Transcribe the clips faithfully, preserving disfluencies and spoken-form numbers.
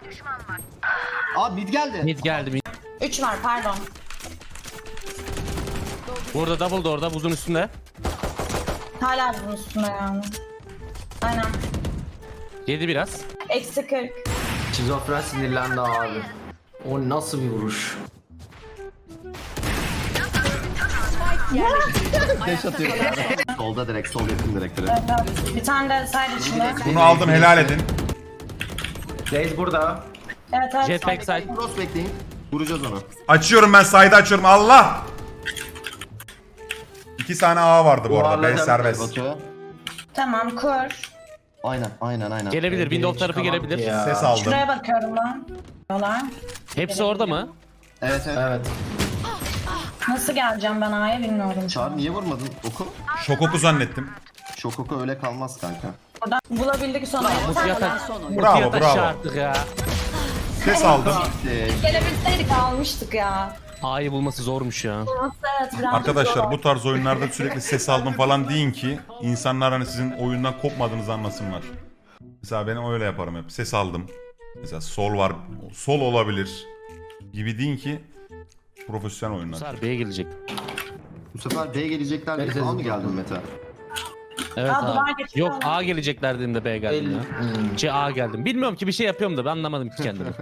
Abi mid geldi. Mid geldi mid. üç var pardon. Burada double door'da buzun üstünde. Hala bunun üstünde yani. Aynen. Yedi biraz. Eksi kırk. Şizofren sinirlendi abi. O nasıl bir vuruş? Deş atıyor. Solda direkt, sol yakın direkt direkt. Evet, evet. Bir tane de side içinde. Bunu aldım, helal edin. Reis burada. Evet evet. Jet backside. Cross bekleyin. Vuracağız onu. Açıyorum ben, sayda açıyorum. Allah! İki tane A vardı bu arada. B Duvarlardan serbest. Batu. Tamam kur. Aynen, aynen, aynen. Gelebilir. Windows tarafı Çıkamam gelebilir. ya. Ses aldım. Şuraya bakıyorum ben. Yolar. Hepsi orada mı? Evet, evet. Evet. Nasıl geleceğim ben A'ya bilmiyorum. Çağrı niye vurmadın oku? Şokoku zannettim. Şokoku öyle kalmaz kanka. Buradan bulabildik sonra. Bir tane Yatak. daha. Bravo, Yat bravo. aşağı artık ya. Ses aldım. Ee, Gelebilseydik almıştık ya. A'yı bulması zormuş ya. Evet, biraz Arkadaşlar zor. bu tarz oyunlarda sürekli ses aldım falan deyin ki insanlar hani sizin oyundan kopmadığınızı anlasınlar. Mesela ben öyle yaparım hep. Ses aldım. Mesela sol var, sol olabilir gibi deyin ki profesyonel Bu oyunlar. sefer B'ye gelecek. bu sefer B gelecekler diye Evet, falan mı evet. geldin Mete? Evet Aa, duvar abi. geçiyor. Yok A gelecekler dediğimde B geldim ya. Hmm. C A geldim. Bilmiyorum ki bir şey yapıyorum da ben anlamadım ki kendimi.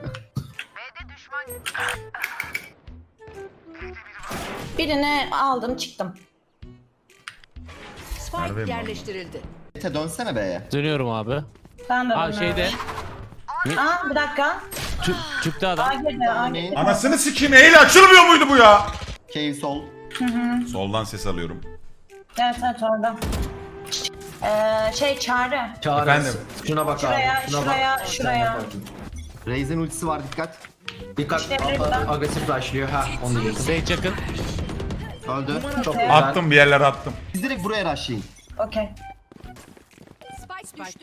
Birini aldım çıktım. Neredeyim Spike ben? yerleştirildi. Mete dönsene B'ye. Dönüyorum abi. Ben de Aa bunu- şeyde. Aa bir dakika. Tü çıktı A adam. girdi A girdi. Anasını sikeyim, eğil açılmıyor muydu bu ya? Cave sol. Soldan ses alıyorum. Evet evet orada. Ee, şey Çağrı. Çağrı. Efendim? Şuna bak Şuraya, abi. Şuna şuraya, bak. şuraya. Sen bak. Raze'in ultisi var dikkat. Dikkat. İşte burada. Agresif rushlıyor. Ha onu diyecektim. Sage yakın. Öldü. Çok Evet. güzel. Attım, bir yerlere attım. Siz direkt buraya rushlayın. Okey. Spike düştü.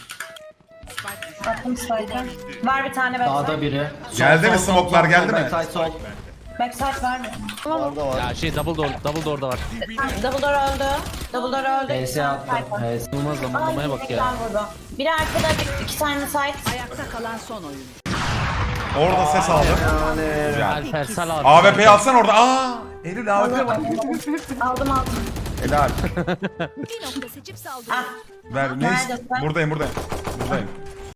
Attım spike'ı. Var bir tane Dağda backside. biri. Sol, Geldi mi sol, sol, smoke'lar, sol, geldi sol, mi? backside sol. Backside var. Orada var. Ya şey double door, double door'da var. Double door öldü. Double door öldü. H S attım. H S. Olmaz zamanlamaya bak ya. Biri arkada, bir, iki tane side. Ayakta kalan son oyun. Orada ses aldım. Güzel. Alper sal abi. A W P'yi alsan orada. Aa! Eylül A W P var. Aldım aldım. Helal. Bir nokta seçip saldır. Ah, Ver, ne? Neredesin? Buradayım, buradayım. Buradayım.